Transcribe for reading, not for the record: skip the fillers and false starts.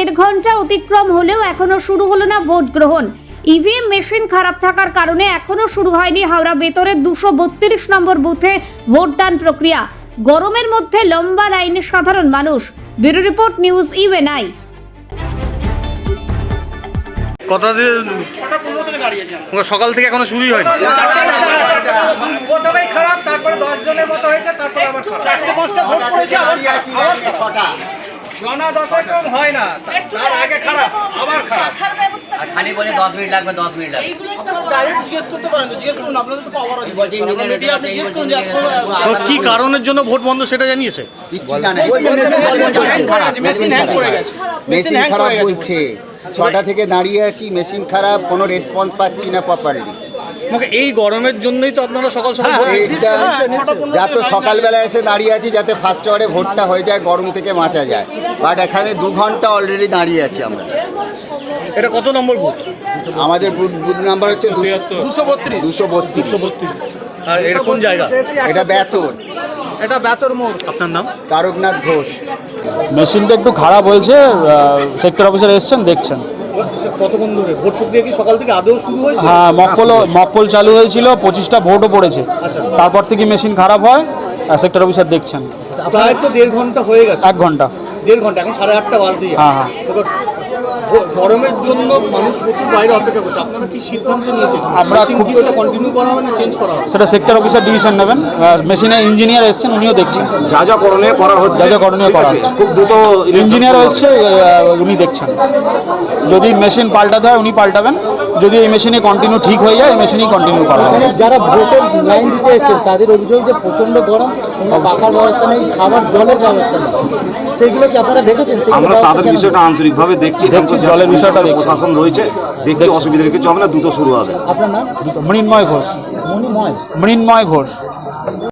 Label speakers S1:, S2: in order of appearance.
S1: 1.5 ঘন্টা অতিক্রম হলেও এখনো শুরু হলো না ভোট গ্রহণ। ইভিএম মেশিন খারাপ থাকার কারণে এখনো শুরু হয়নি হাওড়া বেতরের 232 নম্বর বুথে ভোটদান প্রক্রিয়া। গরমের মধ্যে লম্বা লাইনে সাধারণ মানুষ। Bureau report, news UNI.
S2: সকাল থেকে এখনো শুরুই হয়নি।
S3: প্রথমেই খারাপ, তারপরে 10 জনের মতো হয়েছে, তারপরে আবার খারাপ। 4-5টা ভোট পড়েছে, আবার 6টা জনা 10 কম হয় না, তার আগে খারাপ, আবার খারাপ।
S4: আর খালি বলে 10 মিনিট লাগবে, 10 মিনিট লাগবে।
S3: ডাইরেক্ট জিজ্ঞেস করতে পারেন, তো জিজ্ঞেস করুন, আপনাদের তো পাওয়ার আছে।
S4: বলছে ইঞ্জিনিয়ার
S3: আপনি জিজ্ঞেস করুন যে
S2: কি কারণের জন্য ভোট বন্ধ সেটা জানিয়েছে?
S3: মেশিন হ্যাং করে গেছে,
S5: মেশিন খারাপ বলছে। 6টা থেকে দাঁড়িয়ে আছি, মেশিন খারাপ, কোনো রেসপন্স পাচ্ছি না প্রপারলি।
S2: এই গরমের জন্যই তো আপনারা সকাল সকাল ভোট দিয়েছেন।
S5: যাতে সকালবেলা এসে দাঁড়িয়ে আছি যাতে ফার্স্ট আওয়ারে ভোটটা হয়ে যায়, গরম থেকে বাঁচা যায়। বাট এখানে 2 ঘন্টা অলরেডি দাঁড়িয়ে আছি আমরা।
S2: এটা কত নম্বর বুথ?
S5: আমাদের বুথ নাম্বার হচ্ছে 232।
S2: আর এটা কোন জায়গা?
S5: এটা বেতর।
S3: এটা বেতর মোড়।
S2: আপনার নাম?
S5: তারকনাথ ঘোষ।
S6: মেশিনটা একটু খারাপ হয়েছে, সেক্টর অফিসার এসছেন, দেখছেন।
S2: কতক্ষণ ধরে ভোট প্রক্রিয়া কি সকাল থেকে আদৌ শুরু হয়েছে?
S6: হ্যাঁ, মকপল চালু হয়েছিল, 25টা ভোটও পড়েছে। তারপর থেকে মেশিন খারাপ হয়, সেক্টর অফিসার দেখছেন।
S2: প্রায় তো 1.5 ঘন্টা হয়ে গেছে।
S6: 1 ঘন্টা।
S2: 1.5 ঘন্টা, এখন 8:30 বাজে।
S6: হ্যাঁ।
S2: গরমের জন্য মানুষ প্রচুর বাইরে অপেক্ষা করছে। আপনারা কি সিদ্ধান্ত নিয়েছেন?
S6: আমরা
S2: কি ওটা কন্টিনিউ করা হবে না চেঞ্জ করা হবে?
S6: সেটা সেক্টর অফিসার ডিসিশন নেবেন। মেশিনে ইঞ্জিনিয়ার এসছেন, উনিও দেখছেন।
S7: যা যা করণীয় করা হচ্ছে,
S6: যা যা করণীয় করা হচ্ছে।
S7: খুব দ্রুত
S6: ইঞ্জিনিয়ার এসছে, উনি দেখছেন। যদি মেশিন পাল্টাতে হয় উনি পাল্টাবেন, যদি এই মেশিনে কন্টিনিউ ঠিক হয়ে যায় এই মেশিনেই কন্টিনিউ করা হবে।
S8: যারা ভোটের লাইন দিতে এসেছেন তাদের অভিযোগ যে প্রচন্ড গরম, কোনো পাখার ব্যবস্থা নেই, খাবার জলের ব্যবস্থা নেই। সেগুলো কি আপনারা দেখেছেন?
S7: আমরা তাদের বিষয়টা আন্তরিকভাবে দেখছি,
S6: জলের বিষয়টা দেখছি।
S7: প্রশাসন রয়েছে, দেখতে অসুবিধা কিছু হবে না, দ্রুত শুরু হবে।
S8: আপনার নাম?
S6: মৃন্ময় ঘোষ।
S8: মণিময়।
S6: মৃন্ময় ঘোষ।